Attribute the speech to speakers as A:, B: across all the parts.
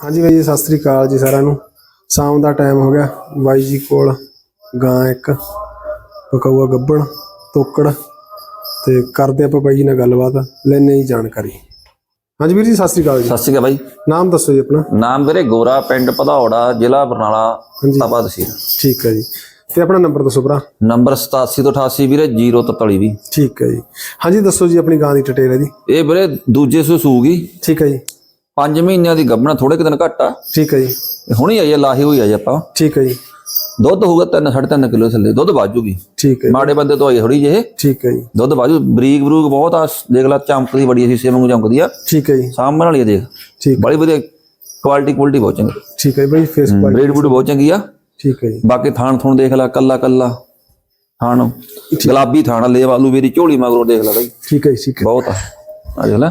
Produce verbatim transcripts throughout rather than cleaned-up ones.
A: हाँ जी भाई सत श्री अकाल जी सारिਆਂ ਨੂੰ। शाम का टाइम हो गया बाई जी कोल गां एक पकाऊआ गब्बण ਤੋਕੜ ਤੇ ਕਰਦੇ ਆਪਾਂ ਬਾਈ ਜੀ ਨਾਲ ਗੱਲਬਾਤ ਲੈਣੇ ਜੀ ਜਾਣਕਾਰੀ। हाँ जी वीर जी सत श्री अकाल जी।
B: सत श्री अकाल भाई।
A: नाम दसो जी अपना।
B: नाम ਵੀਰੇ ਗੋਰਾ ਪਿੰਡ ਭਦੌੜਾ ਜ਼ਿਲ੍ਹਾ ਬਰਨਾਲਾ ਤਪਾ ਤਹਿਸੀਲ।
A: ठीक है जी ਤੇ ਆਪਣਾ ਨੰਬਰ ਦੱਸੋ ਭਰਾ।
B: ਨੰਬਰ ਸਤਾਸੀ ਤੋਂ ਅਠਾਸੀ ਵੀਰੇ ਜ਼ੀਰੋ ਤਰਤਾਲੀ ਵੀਹ।
A: ठीक है जी। हाँ जी दसो जी अपनी गां ਦੀ ਡਿਟੇਲ ਹੈ ਜੀ।
B: ਇਹ ਵੀਰੇ ਦੂਜੇ ਸੂ ਸੂਗੀ।
A: ठीक है जी।
B: ਪੰਜ ਮਹੀਨਿਆਂ ਦੀ ਗੱਭਣਾ ਥੋੜੇ ਕਿ ਦਿਨ ਘੱਟ ਆ।
A: ठीक है जी।
B: ਹੁਣੀ ਆਈ ਆ ਲਾਹੀ ਹੋਈ ਆ ਜੀ ਆਪਾਂ।
A: ठीक है जी।
B: ਦੁੱਧ ਹੋਊਗਾ ਤਿੰਨ ਸਾਢੇ ਤਿੰਨ ਕਿਲੋ ਥੱਲੇ ਦੁੱਧ ਵਾਜੂਗੀ।
A: ठीक है।
B: ਮਾੜੇ ਬੰਦੇ ਤੋਂ ਆਈ ਥੋੜੀ ਜਿਹੇ।
A: ठीक है जी।
B: ਦੁੱਧ ਵਾਜੂ ਬਰੀਕ ਬਰੂਕ ਬਹੁਤ ਆ ਦੇਖ ਲੈ ਚਮਕਦੀ ਬੜੀ ਸ਼ੀਸ਼ੇ ਵਾਂਗੂ ਚਮਕਦੀ ਆ।
A: ठीक है जी।
B: ਸਾਹਮਣੇ ਵਾਲੀ ਆ ਦੇਖ।
A: ठीक
B: ਬੜੀ ਵਧੀਆ ਕੁਆਲਿਟੀ ਕੁਆਲਿਟੀ ਬਹੁਤ ਚੰਗੀ।
A: ठीक है भाई फेस क्वालिटी
B: ਬਰੀਡ ਬੂਡ ਬਹੁਤ ਚੰਗੀ ਆ।
A: ठीक है जी।
B: ਬਾਕੀ ਥਾਣ ਥੁਣ ਦੇਖ ਲੈ ਕੱਲਾ ਕੱਲਾ ਥਾਣ ਗੁਲਾਬੀ ਥਾਣ ਲੈ ਵਾਲੂ ਮੇਰੀ ਝੋਲੀ ਮਗਰੋਂ ਦੇਖ ਲੈ ਬਾਈ।
A: ठीक है ठीक है
B: ਬਹੁਤ ਆ ਆ ਦੇਖ ਲੈ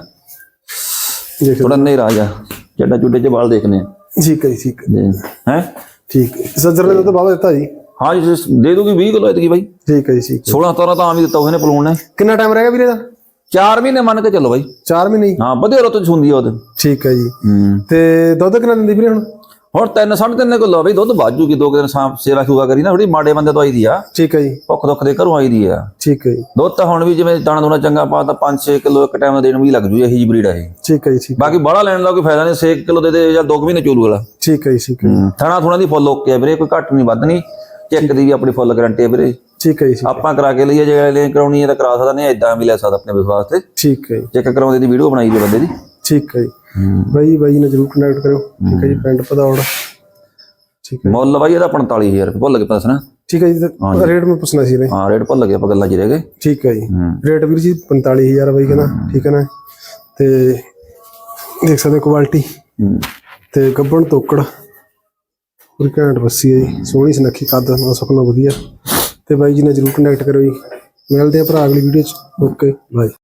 A: देख
B: ਥੋੜਾ ਨਹੀਂ ਰਾਜਾ ਚੱਡਾ ਚੁੱਡੇ ਚ ਵਾਲ ਦੇਖਨੇ ਆ।
A: ठीक है ठीक है
B: ਹੈ
A: ठीक है सज्जर ने तो बाबा देता जी।
B: हाँ जी दे दूंगी बीस किलो इतनी भाई।
A: ठीक है जी ठीक है।
B: सोलह सतारह तो आम ही दिता उसने पलून ने।
A: कितना टाइम रहेगा वीरे दा?
B: चार महीने मान के चलो भाई।
A: चार महीने ही?
B: हाँ बढ़िया रुत सुंदी है ओदे।
A: ठीक है जी।
B: हम्म
A: ते दुध कितना दिंदी वीरे हुण?
B: ਹੁਣ ਤਿੰਨ ਸਾਢੇ ਤਿੰਨ ਕਿਲੋ ਬਈ ਦੁੱਧ ਬਾਜੂਗੀ ਦੋ ਦਿਨ ਸਾਂ ਸੇਵਾ ਸੂਗਾ ਕਰੀ ਨਾ ਥੋੜੀ ਮਾੜੇ ਬੰਦੇ ਤੋਂ ਆਈ ਦੀ ਆ।
A: ਠੀਕ ਹੈ ਜੀ।
B: ਭੁੱਖ ਦੁੱਖ ਦੇ ਘਰੋਂ ਆਈ ਦੀ ਆ।
A: ਠੀਕ ਹੈ ਜੀ।
B: ਦੁੱਧ ਤਾਂ ਹੁਣ ਵੀ ਜਿਵੇਂ ਦਾਣਾ ਦੂਣਾ ਚੰਗਾ ਪਾ ਤਾਂ ਪੰਜ ਛੇ ਕਿਲੋ ਇੱਕ ਟਾਈਮ ਦਾ ਦੇਣ ਵੀ ਲੱਗ ਜੂ ਇਹੀ ਜੀ ਬਰੀਡ ਆ ਇਹ।
A: ਠੀਕ ਹੈ ਜੀ ਠੀਕ।
B: ਬਾਕੀ ਬਾਹਲਾ ਲੈਣ ਦਾ ਕੋਈ ਫਾਇਦਾ ਨਹੀਂ ਛੇ ਕਿਲੋ ਦੇ ਦੇ ਜਾਂ ਦੋ ਮਹੀਨੇ ਚੋਲੂ ਵਾਲਾ।
A: ਠੀਕ ਹੈ ਜੀ ਠੀਕ ਹੈ।
B: ਥਣਾ ਥੁਣਾ ਦੀ ਫੁੱਲ ਓਕੇ ਆ ਵੀਰੇ ਕੋਈ ਘੱਟ ਨਹੀਂ ਵੱਧ ਨਹੀਂ ਚੈੱਕ ਦੀ ਵੀ ਆਪਣੀ ਫੁੱਲ ਗਾਰੰਟੀ ਹੈ ਵੀਰੇ।
A: ਠੀਕ ਹੈ ਜੀ।
B: ਆਪਾਂ ਕਰਾ ਕੇ ਲਈਏ ਜੇ ਲੈ ਕਰਾਉਣੀ ਹੈ ਤਾਂ ਕਰਾ ਸਕਦਾ ਨਹੀਂ ਇਦਾਂ ਵੀ ਲੈ ਸਕਦਾ ਆਪਣੇ ਵਿਸ਼ਵਾਸ ਤੇ।
A: ਠੀਕ ਹੈ ਜੀ।
B: ਚੈੱਕ ਕਰਾਉਂਦੇ ਦੀ ਵੀਡੀਓ ਬਣਾਈ ਜੇ ਬੰਦੇ ਦੀ।
A: ਠੀਕ ਹੈ ਜੀ। ਬਾਈ ਬਾਈ ਨਾਲ ਜਰੂਰ ਕਨੈਕਟ ਕਰਿਓ। ਠੀਕ ਹੈ ਜੀ ਪਿੰਡ ਭਦੌੜ। ठीक है
B: ਮੁੱਲ ਬਾਈ ਇਹਦਾ पैंतालीस हज़ार ਰੁਪਏ ਭੁੱਲ ਕੇ ਦੱਸਣਾ।
A: ठीक है जी रेट में पूछना सी
B: हाँ रेट भुੱਲ गए ਆਪਾਂ ਗੱਲਾਂ 'ਚ ਰਹਿ ਗਏ।
A: ठीक है जी रेट वीर जी पैंतालीस हज़ार बाई कहना ठीक है ना ते देख सकते क्वालिटी ते गब्बण ਤੋਕੜ पूरी घैंट बस्सी है जी सोहनी सुनक्खी कद सुपना वधिया ते बाई जी ने जरूर कनैक्ट करो जी। मिलते हैं भरा अगली वीडियो च। Okay bye.